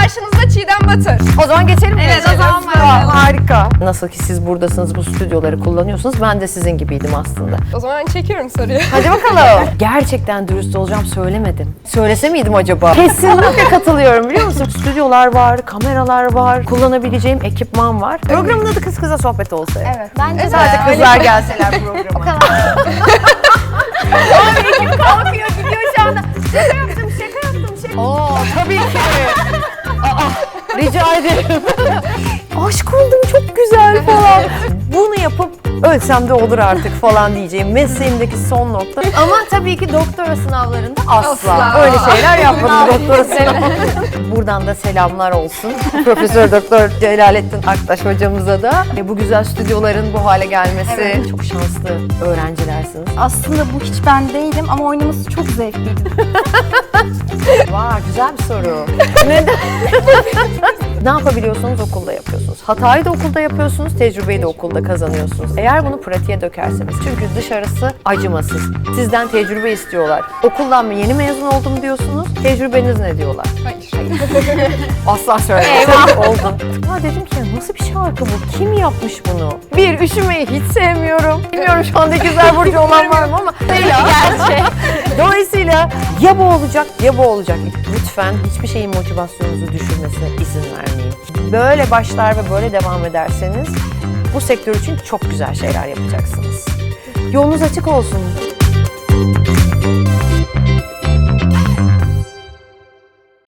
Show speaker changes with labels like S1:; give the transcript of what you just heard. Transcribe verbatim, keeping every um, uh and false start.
S1: karşınızda Çiğdem Batır.
S2: O zaman geçelim mi?
S1: Evet, o zaman
S2: Aa,
S1: başlayalım.
S2: harika. Nasıl ki siz buradasınız, bu stüdyoları kullanıyorsunuz, ben de sizin gibiydim aslında.
S1: O zaman çekiyorum soruyu.
S2: Hadi bakalım. Gerçekten dürüst olacağım, söylemedim. Söylese miydim acaba? Kesinlikle katılıyorum, biliyor musun? Stüdyolar var, kameralar var, kullanabileceğim ekipman var. Programın adı Kız Kıza Sohbet olsa.
S3: Evet, bence de.
S2: Sadece kızlar gelseler programa. Abi ekip kalkıyor, gidiyor şu anda. Şaka yaptım, şaka yaptım, şaka. Oo, tabii ki. Aa, rica ederim. Aşk oldum, çok güzel falan. Bunu yapıp ölsem de olur artık falan diyeceğim. Mesleğimdeki son nokta. Ama tabii ki doktora sınavlarında asla.
S1: Asla.
S2: Öyle şeyler yapmadım doktora sınavlarında. Buradan da selamlar olsun. Profesör Doktor Celalettin Aktaş hocamıza da. E, bu güzel stüdyoların bu hale gelmesi.
S3: Evet.
S2: Çok şanslı öğrencilersiniz.
S3: Aslında bu hiç ben değilim ama oynaması çok zevkliydi.
S2: Vay, güzel bir soru. Neden? Ne yapabiliyorsunuz? Okulda yapıyorsunuz. Hatayı da okulda yapıyorsunuz, tecrübeyi de okulda kazanıyorsunuz. Eğer bunu pratiğe dökerseniz. Çünkü dışarısı acımasız. Sizden tecrübe istiyorlar. Okuldan mı yeni mezun oldum diyorsunuz, tecrübeniz ne diyorlar?
S1: Hayır.
S2: Asla söylemedim. Oldu. Ya dedim ki nasıl bir şarkı bu? Kim yapmış bunu? Bir, üşümeyi hiç sevmiyorum. Bilmiyorum şu anda güzel burcu olan var mı ama. Gerçek. Dolayısıyla ya bu olacak ya bu olacak. Lütfen hiçbir şeyin motivasyonunuzu düşürmesine izin vermeyin. Böyle başlar ve böyle devam ederseniz bu sektör için çok güzel şeyler yapacaksınız. Yolunuz açık olsun.